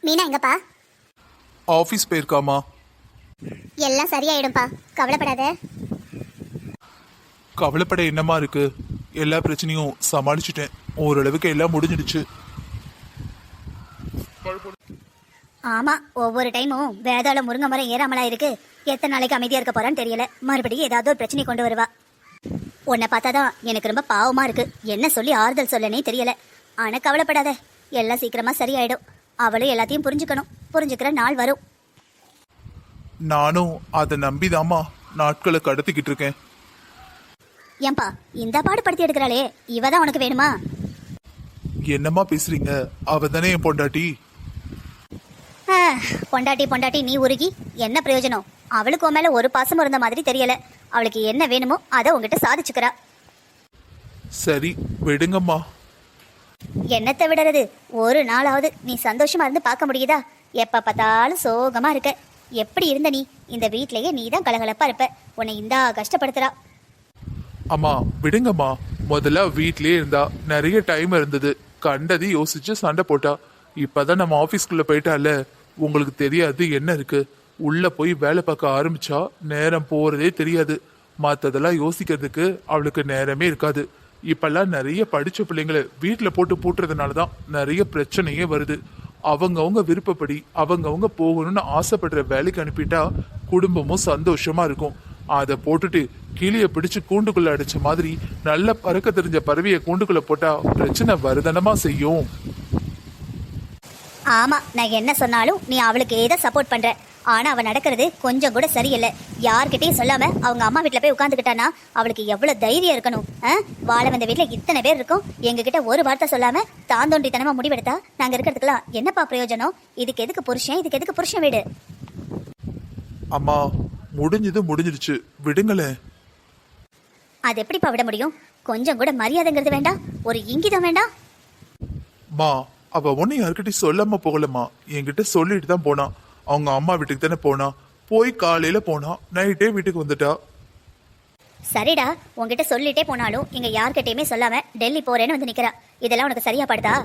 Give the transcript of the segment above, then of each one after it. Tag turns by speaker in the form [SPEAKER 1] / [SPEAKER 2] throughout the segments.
[SPEAKER 1] மீனா எங்கப்பா?
[SPEAKER 2] ஆஃபீஸ் போயிருக்காமா.
[SPEAKER 1] எல்லாம் சரியாயிடும்பா, கவலைப்படாத.
[SPEAKER 2] கவலைப்பட என்னமா இருக்கு? எல்லா பிரச்சனையும் சமாளிச்சுட்டேன். ஓரளவுக்கு எல்லாம் முடிஞ்சிடுச்சு.
[SPEAKER 1] ஆமா, ஒவ்வொரு டைமும் வேதாள முருங்கை மரம் ஏறாமலா இருக்கு. எத்தனை நாளைக்கு அமைதியா இருக்க போறான்னு தெரியல. மறுபடியும் ஏதாவது ஒரு பிரச்சனை கொண்டு வருவா. உன்னை பார்த்தாதான் எனக்கு ரொம்ப பாவமா இருக்கு. என்ன சொல்லி ஆறுதல் சொல்லனே தெரியல. ஆனா கவலைப்படாத, எல்லாம் சீக்கிரமா சரியாயிடும். அவளும் எல்லாத்தையும் புரிஞ்சுக்கணும். புரிஞ்சுக்கிற நாள் வரும்.
[SPEAKER 2] நானும் அதை நம்பிதாமா நாட்களை கடத்திக்கிட்டு இருக்கேன்.
[SPEAKER 1] ஏன்பா இந்த பாடுபடுத்தி எடுக்கிறாளே, இவதான் உனக்கு வேணுமா?
[SPEAKER 2] என்னம்மா பேசுறீங்க? அவ தானே என் பொண்டாட்டி.
[SPEAKER 1] பொண்டாட்டி பொண்டாட்டி நீ உருகி என்ன பிரயோஜனம்? அவளுக்கு உன் மேல ஒரு பாசம் இருந்த மாதிரி தெரியல. அவளுக்கு என்ன வேணுமோ அதை உங்ககிட்ட சாதிச்சுக்கிறா.
[SPEAKER 2] சரி விடுங்கம்மா.
[SPEAKER 1] என்னத்தை விடுறது? ஒரு நாளாவது நீ சந்தோஷமா இருந்து பார்க்க முடியுதா? எப்ப பார்த்தாலும் சோகமா இருக்க. எப்படி இருந்த நீ? இந்த வீட்லயே நீ தான் கலகலப்பா இருப்ப. உன்னை இந்தா கஷ்டப்படுத்துறா.
[SPEAKER 2] அம்மா விடுங்கம்மா. முதல்ல வீட்லயே இருந்தா நிறைய டைம் இருந்தது. கண்டது யோசிச்சு சண்டை போட்டா. இப்பதான் நம்ம ஆபீஸ்க்குள்ள போயிட்டால, உங்களுக்கு தெரியாது என்ன இருக்கு. உள்ள போய் வேலை பார்க்க ஆரம்பிச்சா நேரம் போறதே தெரியாது. மத்ததெல்லாம் யோசிக்கிறதுக்கு அவளுக்கு நேரமே இருக்காது. இப்பெல்லாம் நிறைய படிச்ச பிள்ளைங்களை வீட்டுல போட்டு பூட்டுறதுனாலதான் நிறைய பிரச்சனையே வருது. அவங்கவுங்க விருப்பப்படி அவங்கவுங்க போகணும்னு ஆசைப்படுற வேலைக்கு அனுப்பிட்டா குடும்பமும் சந்தோஷமா இருக்கும். அதை போட்டுட்டு கிளிய பிடிச்சு கூண்டுக்குள்ள அடிச்ச மாதிரி நல்ல பறக்க தெரிஞ்ச பறவைய கூண்டுக்குள்ள போட்டா பிரச்சனை வருதனமா செய்யும்.
[SPEAKER 1] ஆமா, நான் என்ன சொன்னாலும் நீ அவளுக்கு ஏதோ சப்போர்ட் பண்ற. ஆனா அவ நடக்கிறது கொஞ்சம் கூட சரியில்லை. யார்கிட்டயும் சொல்லாம அவங்க அம்மா வீட்டுல போய் உட்காந்துக்கிட்டானா அவளுக்கு எவ்வளவு தைரியம் இருக்கணும். வாழ வந்த வீட்டுல இத்தனை பேர் இருக்கும், எங்ககிட்ட ஒரு வார்த்தை சொல்லாம தாந்தோண்டித்தனமா முடிவெடுத்தா நாங்க இருக்கிறதுக்கெல்லாம் என்னப்பா பிரயோஜனம்? இதுக்கு எதுக்கு புருஷன்? இதுக்கு எதுக்கு புருஷன் வீடு?
[SPEAKER 2] அம்மா முடிஞ்சது முடிஞ்சிடுச்சு, விடுங்களேன்.
[SPEAKER 1] அது எப்படிப்பா விட முடியும்? கொஞ்சம் கூட மரியாதைங்கிறது வேண்டாம், ஒரு இங்கிதம் வேண்டாம்?
[SPEAKER 2] மா அவ ஒன்னும் யாருக்கிட்டையும் சொல்லாம போகலம்மா. என்கிட்ட சொல்லிட்டு தான் போனா. அவங்க அம்மா வீட்டுக்கு தானே போனா. போய் காலையில போனா, நைட்டே வீட்டுக்கு வந்துட்டா.
[SPEAKER 1] சரிடா, உங்ககிட்ட சொல்லிட்டே போனாலும் இங்க யார்கிட்டயுமே சொல்லாம டெல்லி போறேன்னு வந்து நிக்கிறா. இதெல்லாம் உனக்கு சரியா படுதா?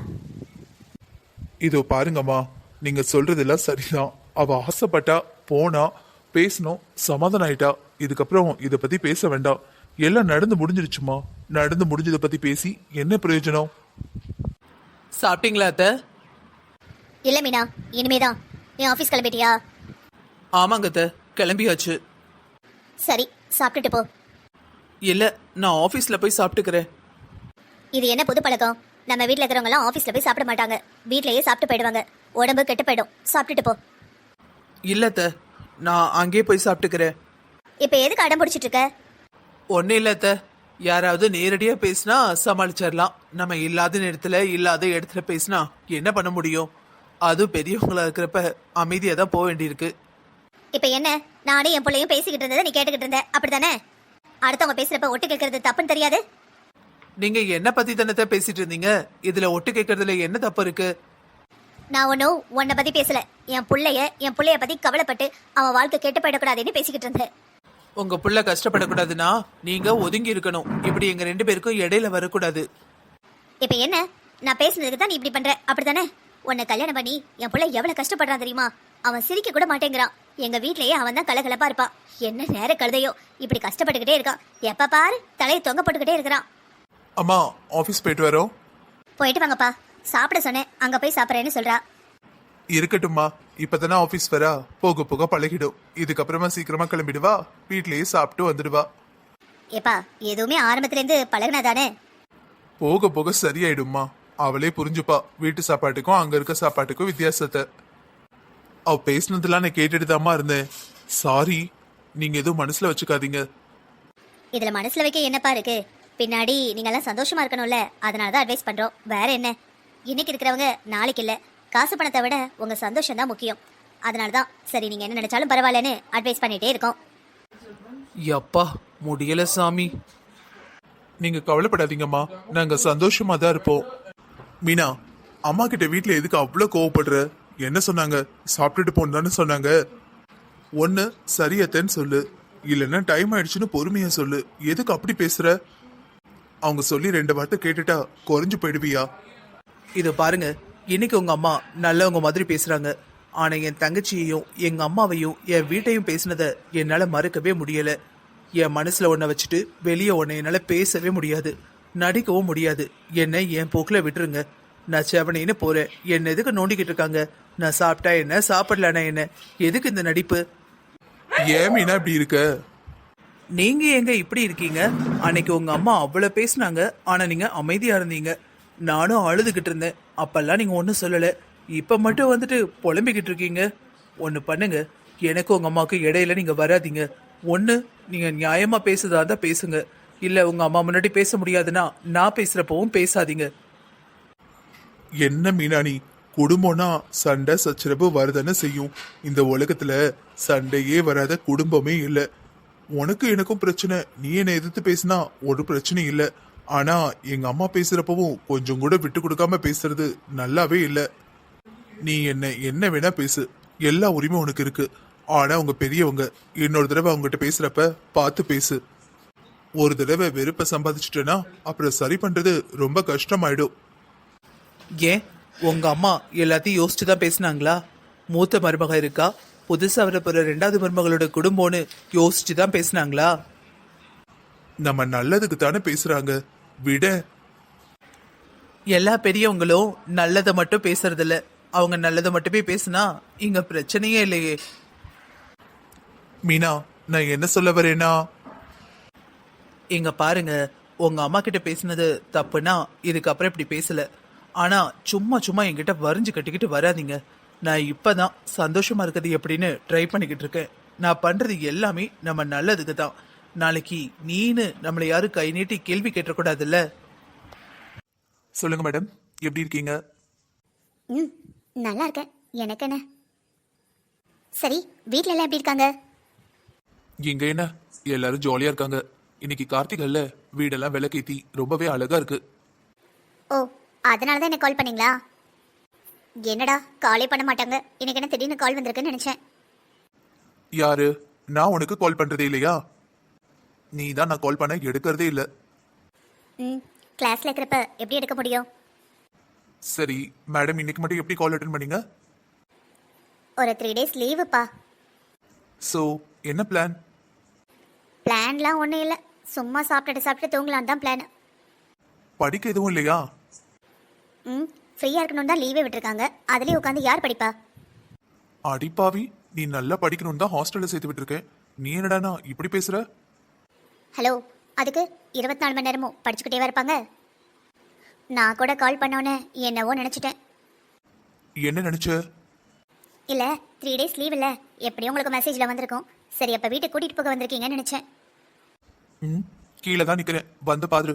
[SPEAKER 2] இதோ பாருங்கம்மா, நீங்க சொல்றதெல்லாம் சரிதான். அவ ஆசைப்பட்டா, போனா, பேசணும், சமாதானம் ஆயிட்டா. இதுக்கப்புறம் இத பத்தி பேச வேண்டாம். எல்லாம் நடந்து முடிஞ்சிருச்சுமா. நடந்து முடிஞ்சதை பத்தி பேசி என்ன பிரயோஜனம்?
[SPEAKER 3] சாப்பிட்டீங்களா அத்தை?
[SPEAKER 1] இல்ல மீனா, இனிமேதான். நீ ஆபீஸ் கிளம்பிட்டியா?
[SPEAKER 3] ஆமாங்க அத்தை, கிளம்பியாச்சு.
[SPEAKER 1] சரி, சாப்பிட்டுட்டு போ.
[SPEAKER 3] இல்ல, நான் ஆபீஸ்ல போய் சாப்பிட்டுக்கிறேன்.
[SPEAKER 1] இது என்ன புது பழக்கம்? நம்ம வீட்ல இருக்கிறவங்க எல்லாம் ஆபீஸ்ல போய் சாப்பிட மாட்டாங்க, வீட்லயே சாப்பிட்டு போயிடுவாங்க. உடம்பு கெட்டு போயிடும். சாப்பிட்டுட்டு போ.
[SPEAKER 3] இல்ல அத்தை, நான் அங்கேயே போய் சாப்பிட்டுக்கிறேன்.
[SPEAKER 1] இப்ப எதுக்கு அடம் பிடிச்சிட்டு இருக்க?
[SPEAKER 3] ஒன்னும் இல்ல அத்தை, யாராவது நேரடியா பேசினா சமாளிச்சிடலாம். நம்ம இல்லாத நேரத்துல இல்லாத இடத்துல பேசினா என்ன பண்ண முடியும்? அது பெரியவங்களா இருக்கிறப்ப அமைதியா தான் போக வேண்டியிருக்கு.
[SPEAKER 1] இப்ப என்ன, நானே என் பிள்ளையும் பேசிக்கிட்டு இருந்ததை நீ கேட்டுக்கிட்டு இருந்த, அப்படித்தானே? அடுத்தவங்க பேசுறப்ப ஒட்டு கேட்கறது தப்புன்னு தெரியாது?
[SPEAKER 3] நீங்க என்ன பத்தி தானே பேசிட்டு இருந்தீங்க? இதுல ஒட்டு கேட்கறதுல என்ன தப்பு இருக்கு?
[SPEAKER 1] நான் ஒன்னும் உன்னை பத்தி பேசல. என் பிள்ளைய பத்தி கவலைப்பட்டு அவன் வாழ்க்கை கெட்டு போயிடக்கூடாதுன்னு பேசிக்கிட்டு இருந்தேன்.
[SPEAKER 3] உங்க புள்ள கஷ்டப்படக்கூடாதுன்னா நீங்க ஒதுங்கி இருக்கணும். இப்படி எங்க 2 பேருக்கும் இடையில வரக்கூடாது.
[SPEAKER 1] இப்ப என்ன, நான் பேசுனதுக்கு தான் நீ இப்படி பண்ற, அப்படித்தானே? உன்னை கல்யாணம் பண்ணி என் புள்ள எவ்வளவு கஷ்டப்படுறான் தெரியுமா? அவன் சிரிக்க கூட மாட்டேங்கிறான். எங்க வீட்லயே அவன் தான் கலகலப்பா இருப்பான். என்ன நேர கழுதையோ இப்படி கஷ்டப்பட்டுக்கிட்டே இருக்கான். எப்ப பாரு தலையை தொங்க போட்டுக்கிட்டே இருக்கிறான்.
[SPEAKER 2] அம்மா ஆபீஸ் போயிட்டு வரோம்.
[SPEAKER 1] போயிட்டு வாங்கப்பா. சாப்பிட சொன்னேன், அங்க போய் சாப்பிட்றேன்னு சொல்றா.
[SPEAKER 2] இருக்கட்டும்மா, இப்பதானே ஆபீஸ் வரா. போக போக பழகிடும். இதுக்கப்புறமா சீக்கிரமா கிளம்பிடுவா. வீட்லயே சாப்பிட்டு வந்துடுவா.
[SPEAKER 1] ஏப்பா, எதுவுமே ஆரம்பத்துல இருந்து பழகினாதானே?
[SPEAKER 2] போக போக சரியாயிடும்மா. அவளே புரிஞ்சுப்பா வீட்டு சாப்பாட்டுக்கும் அங்க இருக்க சாப்பாட்டுக்கும் வித்தியாசத்தை. அவ பேசினதெல்லாம் நான் கேட்டுட்டு இருந்தேன். சாரி, நீங்க எதுவும் மனசுல வச்சுக்காதீங்க.
[SPEAKER 1] இதுல மனசுல வைக்க என்னப்பா இருக்கு? பின்னாடி நீங்க எல்லாம் சந்தோஷமா இருக்கணும்ல, அதனாலதான் அட்வைஸ் பண்றோம். வேற என்ன? இன்னைக்கு இருக்கிறவங்க நாளைக்கு இல்ல. காசு பணத்தை விட உங்க சந்தோஷம் தான் முக்கியம். அதனாலதான் சரி, நீங்க என்ன நினைச்சாலும் பரவாயில்லன்னு அட்வைஸ் பண்ணிட்டே இருக்கோம்.
[SPEAKER 3] எப்பா முடியல சாமி.
[SPEAKER 2] நீங்க கவலைப்படாதீங்கம்மா, நாங்க சந்தோஷமா தான் இருப்போம். மீனா, அம்மா கிட்ட வீட்டுல எதுக்கு அவ்வளவு கோவப்படுற? என்ன சொன்னாங்க? சாப்பிட்டுட்டு போன்னு சொன்னாங்க. ஒன்னு சரியத்தன்னு சொல்லு, இல்லைன்னா டைம் ஆயிடுச்சுன்னு பொறுமையா சொல்லு. எதுக்கு அப்படி பேசுற? அவங்க சொல்லி 2 வார்த்தை கேட்டுட்டா குறைஞ்சு போயிடுவியா?
[SPEAKER 3] இது பாருங்க, இன்னைக்கு உங்க அம்மா நல்லவங்க மாதிரி பேசுறாங்க. ஆனா என் தங்கச்சியையும் எங்க அம்மாவையும் என் வீட்டையும் பேசினத என்னால மறக்கவே முடியல. என் மனசுல ஒன்ன வச்சுட்டு வெளியே ஒன்ன என்னால பேசவே முடியாது, நடிக்கவும் முடியாது. என்னை என் போக்குல விட்டுருங்க. நான் செவனைன்னு போறேன். என்ன எதுக்கு நோண்டிக்கிட்டு இருக்காங்க? நான் சாப்பிட்டா என்ன, சாப்பிடலனா என்ன? எதுக்கு இந்த நடிப்பு?
[SPEAKER 2] ஏன் மீனா இப்படி இருக்க?
[SPEAKER 3] நீங்க எங்க இப்படி இருக்கீங்க? அன்னைக்கு உங்க அம்மா அவ்வளவு பேசுனாங்க, ஆனா நீங்க அமைதியா இருந்தீங்க. நானும் அழுதுகிட்டு இருந்தேன், அப்பெல்லாம் நீங்க ஒன்றும் சொல்லல. இப்ப மட்டும் வந்துட்டு புலம்பிக்கிட்டு இருக்கீங்க. ஒண்ணு பண்ணுங்க, எனக்கு உங்க அம்மாவுக்கு இடையில நீங்க வராதீங்க. ஒண்ணு நீங்க நியாயமா பேசுறதா இருந்தா பேசுங்க, இல்ல உங்க அம்மா முன்னாடி பேச முடியாதுன்னா நான் பேசுறப்பவும் பேசாதீங்க.
[SPEAKER 2] என்ன மீனா நீ? குடும்பம்னா சண்டை சச்சரவு வரதானே செய்யும். இந்த உலகத்துல சண்டையே வராத குடும்பமே இல்லை. உனக்கு எனக்கும் பிரச்சனை, நீ என்னை எதிர்த்து பேசினா ஒரு பிரச்சனையும் இல்லை. ஆனா எங்க அம்மா பேசுறப்பவும் கொஞ்சம் கூட விட்டு கொடுக்காம பேசுறது நல்லாவே இல்லை. நீ என்ன வேணா பேசு, எல்லா உரிமையும் உனக்கு இருக்கு. ஆனா அவங்க பெரியவங்க, இன்னொரு தடவை அவங்ககிட்ட பேசுறப்ப பார்த்து பேசு. ஒரு தடவை வெறுப்பை சம்பாதிச்சிட்டேன்னா அப்புறம் சரி பண்றது ரொம்ப கஷ்டமாயிடும்.
[SPEAKER 3] ஏன் உங்க அம்மா எல்லாத்தையும் யோசிச்சு தான் பேசினாங்களா? மூத்த மருமக இருக்கா, புதுசா வரப்போற ரெண்டாவது மருமகளோட குடும்பம்னு யோசிச்சு தான் பேசினாங்களா?
[SPEAKER 2] நம்ம நல்லதுக்கு தானே பேசுறாங்க, விட.
[SPEAKER 3] எல்லா பெரியவங்களும் நல்லதை மட்டும் பேசுறதில்ல, அவங்க நல்லதை மட்டுமே பேசுனா இங்க பிரச்சனையே இல்லையே.
[SPEAKER 2] மீனா, நான் என்ன சொல்ல வரேன்னா,
[SPEAKER 3] இங்க பாருங்க, உங்க அம்மா கிட்ட பேசினது தப்புனா இதுக்கப்புறம் இப்படி பேசல. ஆனா சும்மா சும்மா என்கிட்ட வரிஞ்சு கட்டிக்கிட்டு வராதீங்க. நான் இப்பதான் சந்தோஷமா இருக்கிறது எப்படின்னு ட்ரை பண்ணிக்கிட்டு இருக்கேன். நான் பண்றது எல்லாமே நம்ம நல்லதுக்கு தான். நாளைக்கு நீனு நம்மளை யாரும் கை நீட்டி கேள்வி கேட்டக்கூடாதுல்ல.
[SPEAKER 2] சொல்லுங்க மேடம், எப்படி இருக்கீங்க?
[SPEAKER 1] ம், நல்லா இருக்கேன். எனக்கு என்ன? சரி, வீட்ல எல்லாம் எப்படி இருக்காங்க?
[SPEAKER 2] இங்க என்ன, எல்லாரும் ஜாலியா இருக்காங்க. இன்னைக்கு கார்த்திகல்ல, வீடெல்லாம் விளக்கேத்தி ரொம்பவே அழகா இருக்கு.
[SPEAKER 1] ஓ, அதனால தான் என்ன கால் பண்ணீங்களா? என்னடா காலே பண்ண மாட்டாங்க, எனக்கு என்ன திடீர்னு கால் வந்திருக்குன்னு நினைச்சேன்.
[SPEAKER 2] யாரு? நான் உனக்கு கால் பண்றதே இல்லையா? நீ தான் நான் கால் பண்ண எடுக்கிறதே இல்ல.
[SPEAKER 1] ம், கிளாஸ்ல இருக்கிறப்ப எப்படி எடுக்க முடியும்?
[SPEAKER 2] சரி மேடம், இன்னைக்கு மட்டும் எப்படி கால் அட்டன் பண்ணீங்க?
[SPEAKER 1] ஒரு 3 days லீவுப்பா.
[SPEAKER 2] சோ என்ன பிளான்?
[SPEAKER 1] பிளான்லாம் ஒன்றும் இல்லை, சும்மா சாப்பிட்டுட்டு தூங்கலான்னு தான் பிளான்.
[SPEAKER 2] படிக்க எதுவும் இல்லையா?
[SPEAKER 1] ம், ஃப்ரீயாக இருக்கணும் தான் லீவே விட்டுருக்காங்க, அதுலேயே உட்காந்து யார் படிப்பா?
[SPEAKER 2] அடிப்பாவி, நீ நல்லா படிக்கணும்னு தான் ஹாஸ்டல்ல சேர்த்து விட்டுருக்கேன். நீ என்னடானா இப்படி பேசுற?
[SPEAKER 1] ஹலோ, அதுக்கு 24 மணி நேரமும் படிச்சுக்கிட்டே இருப்பாங்க? நான் கூட கால் பண்ணோன்னே என்னவோ நினச்சிட்டேன்.
[SPEAKER 2] என்ன நினைச்ச?
[SPEAKER 1] இல்லை, 3 days லீவ் இல்லை, எப்படியும் உங்களுக்கு மெசேஜில் வந்திருக்கும். சரி, அப்போ வீட்டுக்கு கூட்டிகிட்டு போக வந்திருக்கீங்கன்னு நினச்சேன்.
[SPEAKER 2] ம், கீழே தான் நிக்கிறேன், வந்து பாரு.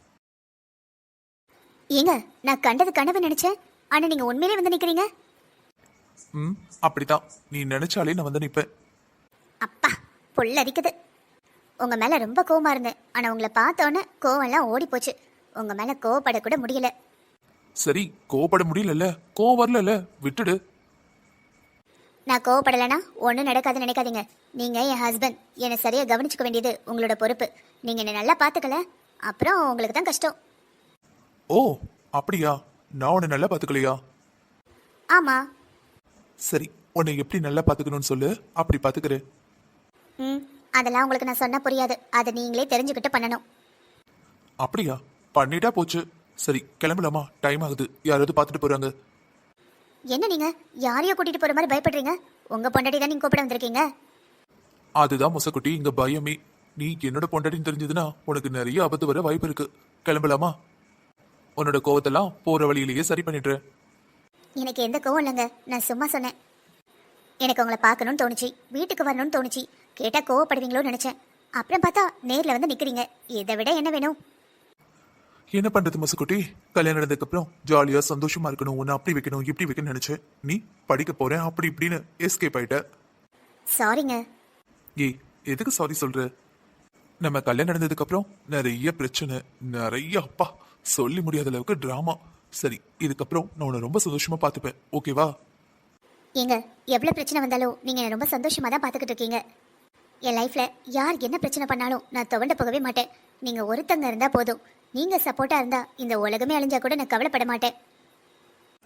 [SPEAKER 1] ஏங்க, நான் கண்டது கனவு நினச்சேன், ஆனால் நீங்கள் உண்மையிலே வந்து நிற்கிறீங்க.
[SPEAKER 2] ம், அப்படித்தான். நீ நினைச்சாலே நான் வந்து நிப்பேன்.
[SPEAKER 1] அப்பா, புல்லரிக்குது. உங்கள் மேலே ரொம்ப கோவமாக இருந்தேன், ஆனால் உங்களை பார்த்தோன்னே கோவம்லாம் ஓடி போச்சு. உங்கள் மேலே கோவப்படக்கூட முடியல.
[SPEAKER 2] சரி, கோவப்பட முடியலல்ல, கோவம் வரல, விட்டுடு.
[SPEAKER 1] நான் கோவப்படலைன்னா ஒன்றும் நடக்காதுன்னு நினைக்காதீங்க. நீங்கள் என் ஹஸ்பண்ட், என்னை சரியாக கவனிச்சுக்க வேண்டியது உங்களோட பொறுப்பு. நீங்கள் என்னை நல்லா பார்த்துக்கல, அப்புறம் உங்களுக்கு தான் கஷ்டம்.
[SPEAKER 2] ஓ அப்படியா? நான் உன்னை நல்லா பாத்துக்கலையா?
[SPEAKER 1] ஆமாம்.
[SPEAKER 2] சரி, உன்னை எப்படி நல்லா பாத்துக்கணும்னு சொல்லு, அப்படி பாத்துக்கிறேன்.
[SPEAKER 1] ம், அதெல்லாம் உங்களுக்கு நான் சொன்னால் புரியாது, அதை நீங்களே தெரிஞ்சுக்கிட்டு பண்ணணும்.
[SPEAKER 2] அப்படியா? பண்ணிட்டா போச்சு. சரி, கிளம்பலாமா? டைம் ஆகுது, யாராவது பார்த்துட்டு போறாங்க.
[SPEAKER 1] என்ன நீங்கள் யாரையோ கூட்டிகிட்டு போகிற மாதிரி பயப்படுறீங்க? உங்கள் பொண்டாட்டி தான் நீங்கள் கூப்பிட வந்திருக்கீங்க.
[SPEAKER 2] அதுதான் முசக்குட்டி, இங்க பயமே. நீ என்னோட பொண்டாட்டின்னு தெரிஞ்சதுன்னா உனக்கு நிறைய ஆபத்து வர வாய்ப்பு இருக்கு. கிளம்பலாமா? உன்னோட கோவத்தெல்லாம் போற வழியிலேயே சரி பண்ணிடுறேன்.
[SPEAKER 1] எனக்கு எந்த கோவம் இல்லைங்க, நான் சும்மா சொன்னேன். எனக்கு உங்களை பார்க்கணும்னு தோணுச்சு, வீட்டுக்கு வரணும்னு தோணுச்சு. கேட்டால் கோவப்படுவீங்களோன்னு நினச்சேன். அப்புறம் பார்த்தா நேரில் வந்து நிற்கிறீங்க. இதை விட என்ன வேணும்?
[SPEAKER 2] என்ன பண்றது முசக்குட்டி, கல்யாணம் நடந்ததுக்கு அப்புறம் ஜாலியா சந்தோஷமா இருக்கணும், உன்னை அப்படி வைக்கணும் இப்படி வைக்கணும்னு நினைச்சேன். நீ படிக்க போறேன் அப்படி இப்படின்னு எஸ்கேப் ஆயிட்ட.
[SPEAKER 1] சாரிங்க.
[SPEAKER 2] ஏய், எதுக்கு சாரி சொல்ற? நம்ம கல்யாணம் நடந்ததுக்கு அப்புறம் நிறைய பிரச்சனை, நிறைய அப்பா சொல்லி முடியாத அளவுக்கு டிராமா. சரி, இதுக்கப்புறம் நான் உன்னை ரொம்ப சந்தோஷமா பார்த்துப்பேன், ஓகேவா?
[SPEAKER 1] ஏங்க, எவ்வளோ பிரச்சனை வந்தாலும் நீங்கள் என்னை ரொம்ப சந்தோஷமாக தான் பார்த்துக்கிட்டு இருக்கீங்க. என் லைஃப்பில் யார் என்ன பிரச்சனை பண்ணாலும் நான் துவண்டு போகவே மாட்டேன். நீங்கள் ஒருத்தங்க இருந்தால் போதும். நீங்கள் சப்போர்ட்டாக இருந்தால் இந்த உலகமே அழிஞ்சா கூட நான் கவலைப்பட மாட்டேன்.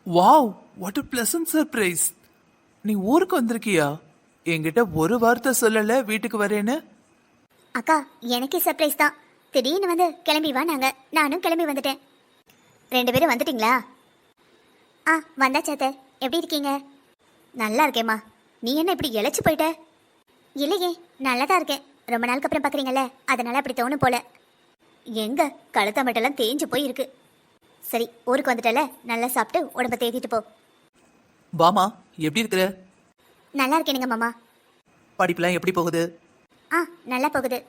[SPEAKER 3] Wow, what a pleasant surprise. நீ ஊருக்கு வந்திருக்கியா? என்கிட்ட ஒரு வார்த்தை சொல்லல வீட்டுக்கு வரேன்னு.
[SPEAKER 1] அக்கா எனக்கே சர்ப்ரைஸ் தான். திடீர்னு வந்து கிளம்பி வா, நானும் கிளம்பி வந்துட்டேன். 2 பேரும் வந்துட்டீங்களா? ஆ வந்தாச்சு அத்தை. எப்படி இருக்கீங்க? நல்லா இருக்கேம்மா. நீ என்ன இப்படி இழைச்சி போயிட்ட? இல்லையே, நல்லா தான் இருக்கேன். ரொம்ப நாளுக்கு அப்புறம் பார்க்குறீங்கல்ல, அதனால அப்படி தோணும் போல. எங்க கழுத்த மட்டும் தேஞ்சு போய் இருக்கு. சரி, ஊருக்கு வந்துட்டல, நல்லா சாப்பிட்டு உடம்ப தேத்திட்டு போ.
[SPEAKER 3] வாமா, எப்படி இருக்கிற?
[SPEAKER 1] நல்லா இருக்கேனுங்க மாமா.
[SPEAKER 3] படிப்புலாம் எப்படி போகுது?
[SPEAKER 1] ஆ நல்லா போகுது.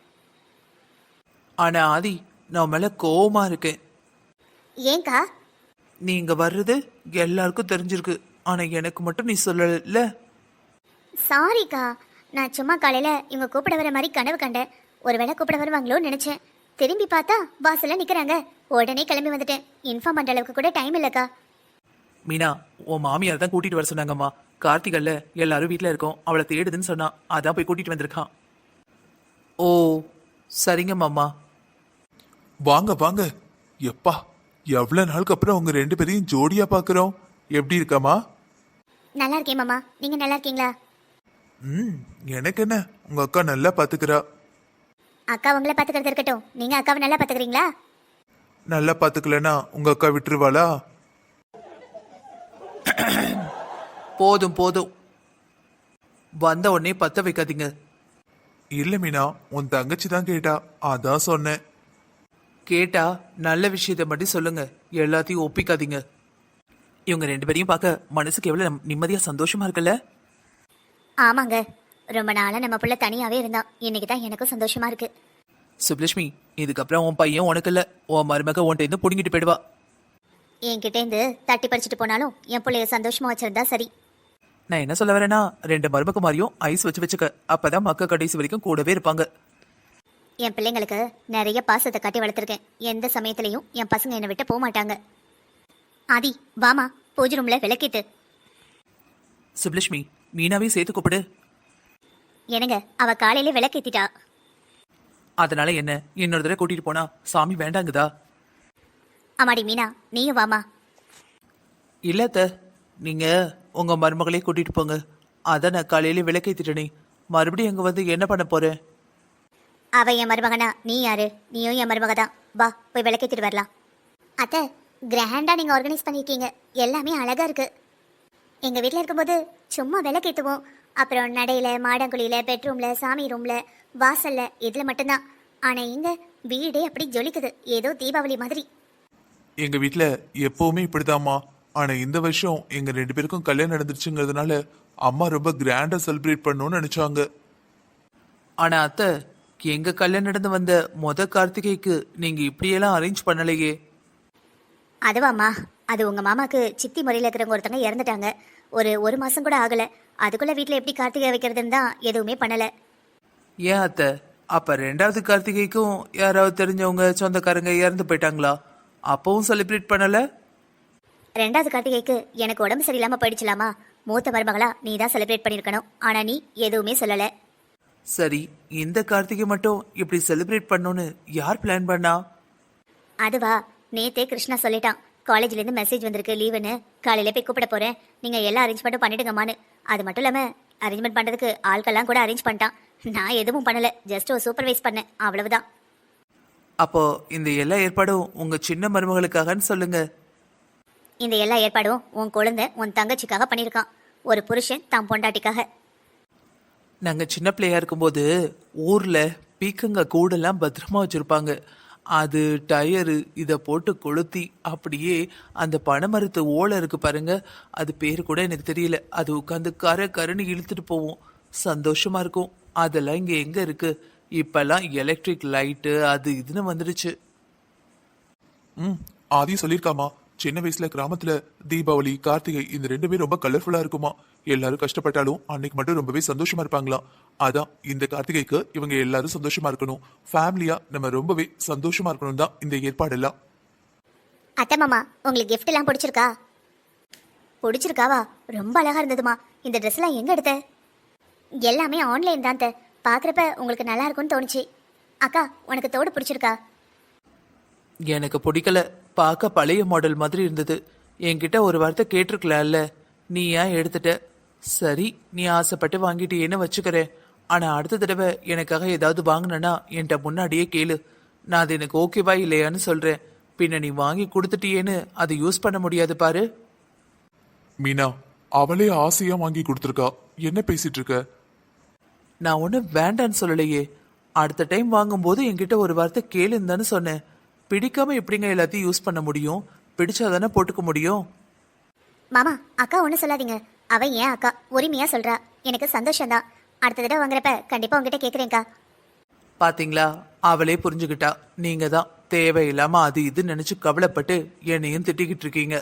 [SPEAKER 3] ஆனா ஆதி, நான் மேல கோவமா இருக்கேன்.
[SPEAKER 1] ஏங்கா?
[SPEAKER 3] நீ இங்க வர்றது எல்லாருக்கும் தெரிஞ்சிருக்கு, ஆனா எனக்கு மட்டும் நீ சொல்லல.
[SPEAKER 1] சாரிக்கா, நான் சும்மா காலையில இவங்க கூப்பிட வர மாதிரி கனவு கண்டேன். ஒருவேளை கூப்பிட வருவாங்களோன்னு நினைச்சேன். திரும்பி பார்த்தா வாசல்ல நிக்கிறாங்க. உடனே கிளம்பி வந்துட்டேன். இன்ஃபார்ம் பண்ற அளவுக்கு கூட டைம் இல்லக்கா.
[SPEAKER 3] மீனா, உன் மாமியார் தான் கூட்டிட்டு வர சொன்னாங்கம்மா. கார்த்திகல்ல எல்லாரும் வீட்ல இருக்கோம், அவளை தேடுதுன்னு சொன்னா, அதான் போய் கூட்டிட்டு வந்திருக்கான். ஓ சரிங்க மாமா.
[SPEAKER 2] வாங்க வாங்க. எப்பா, எவ்வளவு நாளுக்கு அப்புறம் உங்க 2 பேரையும் ஜோடியா பாக்குறோம். எப்படி இருக்கமா?
[SPEAKER 1] நல்லா இருக்கேன் மாமா. நீங்க நல்லா இருக்கீங்களா?
[SPEAKER 2] எனக்கு என்ன, உங்க அக்கா நல்லா பாத்துக்கிறா.
[SPEAKER 1] அக்கா உங்களை பாத்துக்கிறது இருக்கட்டும், நீங்க அக்காவை நல்லா பாத்துக்கிறீங்களா?
[SPEAKER 2] நல்லா பாத்துக்கலனா உங்க அக்கா விட்டுருவாளா?
[SPEAKER 3] போதும் போதும், வந்த உடனே பத்த வைக்காதீங்க.
[SPEAKER 2] இல்ல மீனா, உன் தங்கச்சி தான் கேட்டா, அதான் சொன்னேன்.
[SPEAKER 3] கேட்டா நல்ல விஷயத்தை மட்டும் சொல்லுங்க, எல்லாத்தையும் ஒப்பிக்காதீங்க. இவங்க 2 பேரையும் பார்க்க மனசுக்கு எவ்வளவு நிம்மதியா சந்தோஷமா இருக்குல்ல?
[SPEAKER 1] ஆமாங்க, ரொம்ப நாளா நம்ம புள்ள தனியாவே இருந்தான். இன்னைக்கு தான் எனக்கும் சந்தோஷமா இருக்கு.
[SPEAKER 3] சுப்லட்சுமி, இதுக்கப்புறம் உன் பையன் உனக்கு இல்ல, உன் மருமக உன்கிட்ட இருந்து புடுங்கிட்டு போயிடுவா.
[SPEAKER 1] என்கிட்ட இருந்து தட்டி பறிச்சுட்டு போனாலும் என் பிள்ளைய சந்தோஷமா வச்சிருந்தா சரி.
[SPEAKER 3] நான் என்ன சொல்ல வரேன்னா, 2 மருமக மாதிரியும் ஐஸ் வச்சுக்க, அப்பதான் மக்க கடைசி வரைக்கும் கூடவே இருப்பாங்க.
[SPEAKER 1] என் பிள்ளைங்களுக்கு நிறைய பாசத்தை காட்டி வளர்த்துருக்கேன். எந்த சமயத்திலையும் என் பசங்க என்னை விட்டு போக மாட்டாங்க. ஆதி வாமா, பூஜை ரூம்ல விளக்கிட்டு.
[SPEAKER 3] சுப்லட்சுமி, மீனாவையும் சேர்த்து கூப்பிடு.
[SPEAKER 1] என்னங்க, அவ காலையில விளக்கேத்திட்டா.
[SPEAKER 3] அதனால என்ன, இன்னொரு தடவை கூட்டிட்டு போனா சாமி வேண்டாங்குதா?
[SPEAKER 1] அம்மாடி மீனா, நீயும் வாமா.
[SPEAKER 3] இல்லத்த, நீங்க உங்க மருமகளே கூட்டிட்டு போங்க. அதான் நான் காலையில விளக்கேத்திட்டனே, மறுபடியும் எங்க வந்து என்ன பண்ண போறேன்?
[SPEAKER 1] அவ என் மருமகனா, நீ யாரு? நீயும் என் மருமக தான். வா போய் விளக்கேத்திட்டு வரலாம். அத்தை, கிராண்டா நீங்க ஆர்கனைஸ் பண்ணிருக்கீங்க. எல்லாமே அழகா இருக்கு. எங்க வீட்டில் இருக்கும்போது சும்மா விளக்கேத்துவோம். அப்புறம் நடையில, மாடங்குழியில, பெட்ரூம்ல, சாமி ரூம்ல, வாசல்ல, இதுல மட்டும்தான். ஆனா இங்க வீடே அப்படி ஜொலிக்குது, ஏதோ தீபாவளி மாதிரி.
[SPEAKER 2] எங்க வீட்ல எப்பவுமே இப்படிதாம்மா. ஆனா இந்த வருஷம் எங்க 2 பேருக்கும் கல்யாணம் நடந்துருச்சுங்கிறதுனால அம்மா ரொம்ப கிராண்டா செலிப்ரேட் பண்ணணும்னு நினைச்சாங்க.
[SPEAKER 3] ஆனா அத்தை, எங்க கல்யாணம் நடந்து வந்த கார்த்திகைக்கு நீங்க இப்படியெல்லாம் அரேஞ்ச் பண்ணலையே.
[SPEAKER 1] அதுவாம்மா, அது உங்க மாமாக்கு சித்தி முறையில் இருக்கிறவங்க ஒருத்தவங்க இறந்துட்டாங்க. ஒரு மாசம் கூட ஆகல. அதுக்குள்ள வீட்டில் எப்படி கார்த்திகை வைக்கிறதுன்னு தான் எதுவுமே பண்ணல.
[SPEAKER 3] ஏன் அத்தை, அப்ப 2வது கார்த்திகைக்கும் யாராவது தெரிஞ்சவங்க சொந்தக்காரங்க இறந்து போயிட்டாங்களா? அப்பவும் செலிப்ரேட் பண்ணல?
[SPEAKER 1] 2வது கார்த்திகைக்கு எனக்கு உடம்பு சரியில்லாம போயிடுச்சலாமா. மூத்த மருமகளா நீ தான் செலிப்ரேட் பண்ணிருக்கணும். ஆனா நீ எதுவுமே சொல்லல.
[SPEAKER 3] சரி, இந்த கார்த்திகை மட்டும் இப்படி செலிப்ரேட் பண்ணணும்னு யார் பிளான் பண்ணா?
[SPEAKER 1] அதுவா, நேத்தே கிருஷ்ணா சொல்லிட்டான். காலேஜ்ல இருந்து மெசேஜ் வந்திருக்கு லீவுன்னு. காலையில போய் கூப்பிட போறேன், நீங்க எல்லா அரேஞ்ச்மெண்ட்டும் பண்ணிடுங்கம்மான்னு. அது மட்டும் இல்லாம அரேஞ்ச்மெண்ட் பண்றதுக்கு ஆட்கள்லாம் கூட அரேஞ்ச் பண்ணிட்டான். நான் எதுவும் பண்ணல, ஜஸ்ட் ஒரு சூப்பர்வைஸ் பண்ணேன், அவ்வளவுதான்.
[SPEAKER 3] அப்போ இந்த எல்லா ஏற்பாடும் உங்க சின்ன மருமகளுக்காகன்னு சொல்லுங்க.
[SPEAKER 1] இந்த எல்லா ஏற்பாடும் உன் குழந்தை உன் தங்கச்சிக்காக பண்ணியிருக்கான். ஒரு புருஷன் தான் பொண்டாட்டிக்காக.
[SPEAKER 3] நாங்க சின்ன பிள்ளையா இருக்கும்போது ஊர்ல பீக்கங்க கூடெல்லாம் பத்திரமா வச்சிருப்பாங்க. அது டயரு இதை போட்டு கொளுத்தி அப்படியே அந்த பனைமரத்து ஓலை இருக்கு பாருங்க, அது பேர் கூட எனக்கு தெரியல, அது உட்காந்து கருன்னு இழுத்துட்டு போவோம். சந்தோஷமா இருக்கும். அதெல்லாம் இங்க எங்க இருக்கு? இப்பெல்லாம் எலக்ட்ரிக் லைட்டு அது இதுன்னு வந்துடுச்சு.
[SPEAKER 2] ஆதி சொல்லியிருக்காமா, சின்ன வயசுல கிராமத்துல தீபாவளி, கார்த்திகை இந்த 2 பேரும் ரொம்ப கலர்ஃபுல்லா இருக்குமா. எல்லாரும் கஷ்டப்பட்டாலும் அன்னைக்கு மட்டும் ரொம்பவே சந்தோஷமா இருப்பாங்களாம். அதான் இந்த கார்த்திகைக்கு இவங்க எல்லாரும் சந்தோஷமா இருக்கணும், ஃபேமிலியா நம்ம ரொம்பவே சந்தோஷமா இருக்கணும் தான் இந்த ஏற்பாடெல்லாம்.
[SPEAKER 1] அத்தை மாமா, உங்களுக்கு கிஃப்ட் எல்லாம் பிடிச்சிருக்கா? பிடிச்சிருக்காவா? ரொம்ப அழகா இருந்ததுமா. இந்த ட்ரெஸ் எல்லாம் எங்க எடுத்த? எல்லாமே ஆன்லைன் தான். பாக்குறப்ப உங்களுக்கு நல்லா இருக்கும்னு தோணுச்சு. அக்கா, உனக்கு தோடு பிடிச்சிருக்கா?
[SPEAKER 3] எனக்கு பிடிக்கல, பார்க்க பழைய மாடல் மாதிரி இருந்தது. என்கிட்ட ஒரு வார்த்தை கேட்டிருக்கலாம்ல, நீ ஏன் எடுத்துட்ட? சரி, நீ ஆசைப்பட்டு வாங்கிட்டியேன்னு வச்சுக்கிறேன். ஆனா அடுத்த தடவை எனக்காக ஏதாவது வாங்கினா என்கிட்ட முன்னாடியே கேளு. நான் அது எனக்கு ஓகேவா இல்லையான்னு சொல்றேன். பின்ன நீ வாங்கி கொடுத்துட்டியேன்னு அதை யூஸ் பண்ண முடியாது பாரு.
[SPEAKER 2] மீனா, அவளே ஆசையா வாங்கி கொடுத்துருக்கா, என்ன பேசிட்டு இருக்க?
[SPEAKER 3] நான் ஒன்றும் வேண்டான்னு சொல்லலையே. அடுத்த டைம் வாங்கும்போது என்கிட்ட ஒரு வார்த்தை கேளுன்னு தானே சொன்னேன். பிடிக்காம எப்படிங்க எல்லாத்தையும் யூஸ் பண்ண முடியும்? பிடிச்சாதானே போட்டுக்க முடியும்.
[SPEAKER 1] மாமா, அக்கா ஒன்றும் சொல்லாதீங்க. அவ ஏன் அக்கா, உரிமையா சொல்றா. எனக்கு சந்தோஷம்தான். அடுத்த தடவை வாங்குறப்ப கண்டிப்பா உங்ககிட்ட கேட்குறேன்க்கா.
[SPEAKER 3] பாத்தீங்களா, அவளே புரிஞ்சுக்கிட்டா. நீங்க தான் தேவையில்லாம அது இது நினைச்சு கவலைப்பட்டு என்னையும் திட்டிக்கிட்டு இருக்கீங்க.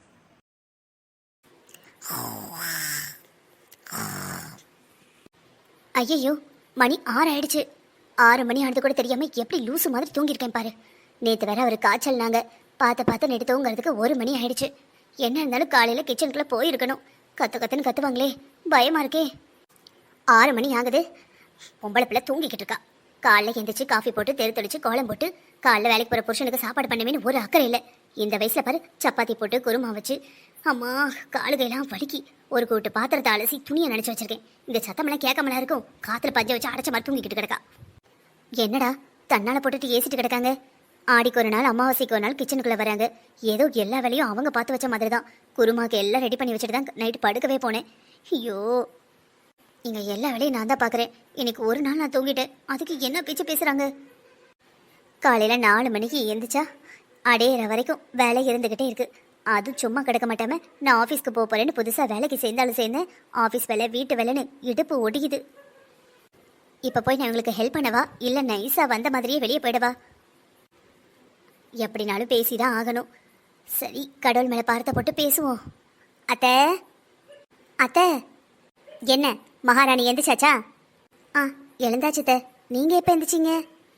[SPEAKER 1] ஐயோ, மணி 6 ஆயிடுச்சு. 6 மணி ஆனது கூட தெரியாம எப்படி லூசு மாதிரி தூங்கியிருக்கேன் பாரு. நேற்று வேற ஒரு காய்ச்சல்னாங்க. பார்த்து நேற்று தூங்குறதுக்கு 1 மணி ஆயிடுச்சு. என்ன இருந்தாலும் காலையில கிச்சனுக்குள்ள போயிருக்கணும். கத்துன்னு கத்துவாங்களே, பயமா இருக்கே. 6 மணி ஆகுது, பொம்பளை பிள்ளை தூங்கிக்கிட்டு இருக்கா. காலைல எந்திரிச்சு காஃபி போட்டு தெளிச்சு கோலம் போட்டு காலைல வேலைக்கு போற புருஷனுக்கு சாப்பாடு பண்ணுவேன்னு ஒரு அக்கறை இல்லை. இந்த வயசுல பாரு, சப்பாத்தி போட்டு குருமா வச்சு, அம்மா காலுகையெல்லாம் வலிக்கி ஒரு கூட்டு பாத்திரத்தை அலசி துணியை நினைச்சு வச்சிருக்கேன். இந்த சத்தமெல்லாம் கேட்காமலா இருக்கும். காத்துல பஞ்ச வச்சு அடைச்ச மாதிரி தூங்கிக்கிட்டு கிடக்கா. என்னடா தன்னால போட்டுட்டு ஏசிட்டு கிடக்காங்க. ஆடிக்கு ஒரு நாள், அமாவாசைக்கு ஒரு நாள் கிச்சனுக்குள்ள வராங்க. ஏதோ எல்லா வேலையும் அவங்க பார்த்து வச்ச மாதிரி தான். குருமாக்கு எல்லாம் ரெடி பண்ணி வச்சுட்டு தான் நைட்டு படுக்கவே போனேன். ஐயோ, இங்க எல்லா வேலையும் நான் தான் பாக்குறேன். இன்னைக்கு ஒரு நாள் நான் தூங்கிட்டேன், அதுக்கு என்ன பேச்சு பேசுறாங்க? காலையில 4 மணிக்கு எந்திரிச்சா அடையிற வரைக்கும் வேலை இருந்துகிட்டே இருக்கு. அது சும்மா கிடக்க மாட்டாம நான் ஆஃபீஸ்க்கு போக போறேன்னு புதுசா வேலைக்கு சேர்ந்தாலும் சேர்ந்தேன். ஆஃபீஸ் வேலை, வீட்டு வேலைன்னு இடுப்பு ஒடிக்குது. இப்ப போய் நான் உங்களுக்கு ஹெல்ப் பண்ணவா, இல்ல நைஸா வந்த மாதிரியே வெளியே போயிடவா? எப்படினாலும் பேசிதான் ஆகணும். சரி, கடவுள் மேல பார்த்த போட்டு பேசுவோம். அத்தை, அத்தை. என்ன மகாராணி எந்திரிச்சாச்சா? ஆ, எழுந்தாச்சு அத்தை. நீங்க எப்ப எந்திரிச்சிங்க?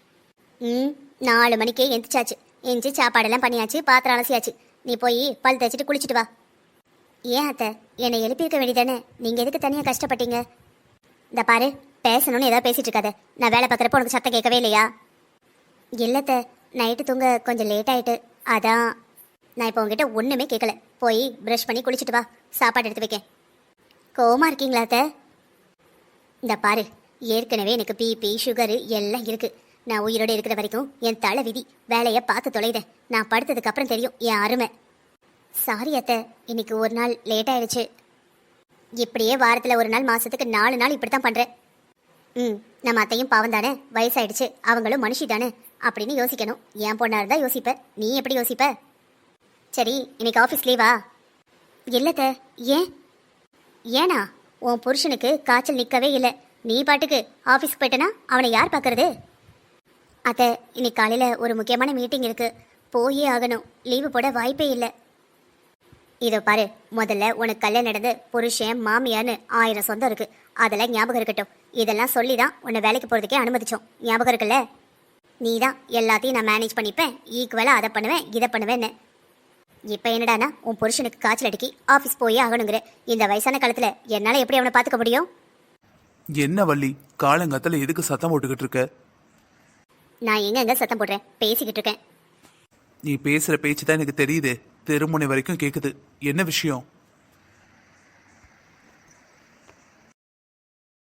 [SPEAKER 1] 4 மணிக்கே எந்திரிச்சாச்சு. எந்திரிச்சு சாப்பாடெல்லாம் பண்ணியாச்சு, பாத்திரம் அலசியாச்சு. நீ போய் பல் தேய்ச்சிட்டு குளிச்சுட்டு வா. ஏன் அத்தை, என்னை எழுப்பியிருக்க வேண்டியதானே? நீங்க எதுக்கு தனியா கஷ்டப்பட்டீங்க? இந்த பாரு, பேசணும்னு ஏதாவது பேசிட்டு இருக்காத. நான் வேலை பார்க்குறப்ப உனக்கு சத்தம் கேட்கவே இல்லையா? இல்லத்த, நைட்டு தூங்க கொஞ்சம் லேட் ஆயிட்டு, அதான். நான் இப்போ உங்ககிட்ட ஒண்ணுமே கேட்கல. போய் ப்ரஷ் பண்ணி குளிச்சுட்டு வா, சாப்பாடு எடுத்து வைக்க. கோவமா இருக்கீங்களா அத்தை? இந்த பாரு, ஏற்கனவே எனக்கு பிபி சுகரு எல்லாம் இருக்கு. நான் உயிரோடு இருக்கிற வரைக்கும் என் தலை விதி. வேலையை பார்த்து தொலைதேன். நான் படுத்ததுக்கு அப்புறம் தெரியும் என் அருமை. சாரி அத்தை, இன்னைக்கு ஒரு நாள் லேட் ஆயிடுச்சு. இப்படியே வாரத்தில் ஒரு நாள், மாசத்துக்கு 4 நாள் இப்படித்தான் பண்றேன். நம்ம அத்தையும் பாவம் தானே, வயசாயிடுச்சு, அவங்களும் மனுஷி தானே அப்படின்னு யோசிக்கணும். என் பொண்ணா இருந்தா யோசிப்ப, நீ எப்படி யோசிப்ப? சரி, இன்னைக்கு ஆஃபீஸ் லீவா? இல்லத்த. ஏன்? ஏனா உன் புருஷனுக்கு காய்ச்சல் நிற்கவே இல்லை. நீ பாட்டுக்கு ஆஃபீஸ்க்கு போயிட்டனா அவனை யார் பார்க்கறது? அத்தை, இன்னைக்கு காலையில் ஒரு முக்கியமான மீட்டிங் இருக்கு, போயே ஆகணும். லீவு போட வாய்ப்பே இல்லை. இதோ பாரு, முதல்ல உனக்கு கல்யாணம் நடந்து புருஷன் மாமியான்னு 1000 சொந்தம் இருக்கு. அதெல்லாம் ஞாபகம் இருக்கட்டும். இதெல்லாம் சொல்லி தான் உன்னை வேலைக்கு போகிறதுக்கே அனுமதிச்சோம். ஞாபகம் இருக்குல்ல? நீ தான் எல்லாத்தையும் நான் மேனேஜ் பண்ணிப்பேன், ஈக்குவலாக அதை பண்ணுவேன், இதை பண்ணுவேன்னு. இப்போ என்னடானா உன் புருஷனுக்கு காய்ச்சல் அடிக்கி ஆஃபீஸ் போயே ஆகணுங்கிற. இந்த வயசான காலத்தில் என்னால் எப்படி அவனை பார்த்துக்க முடியும்?
[SPEAKER 3] என்ன வள்ளி, காலங்காத்தில் எதுக்கு சத்தம் போட்டுக்கிட்டு இருக்க?
[SPEAKER 1] நான் எங்க சத்தம் போடுறேன், பேசிக்கிட்டு இருக்கேன்.
[SPEAKER 3] நீ பேசுற பேச்சு தான் எனக்கு தெரியுது, தெருமுனை வரைக்கும் கேக்குது. என்ன விஷயம்?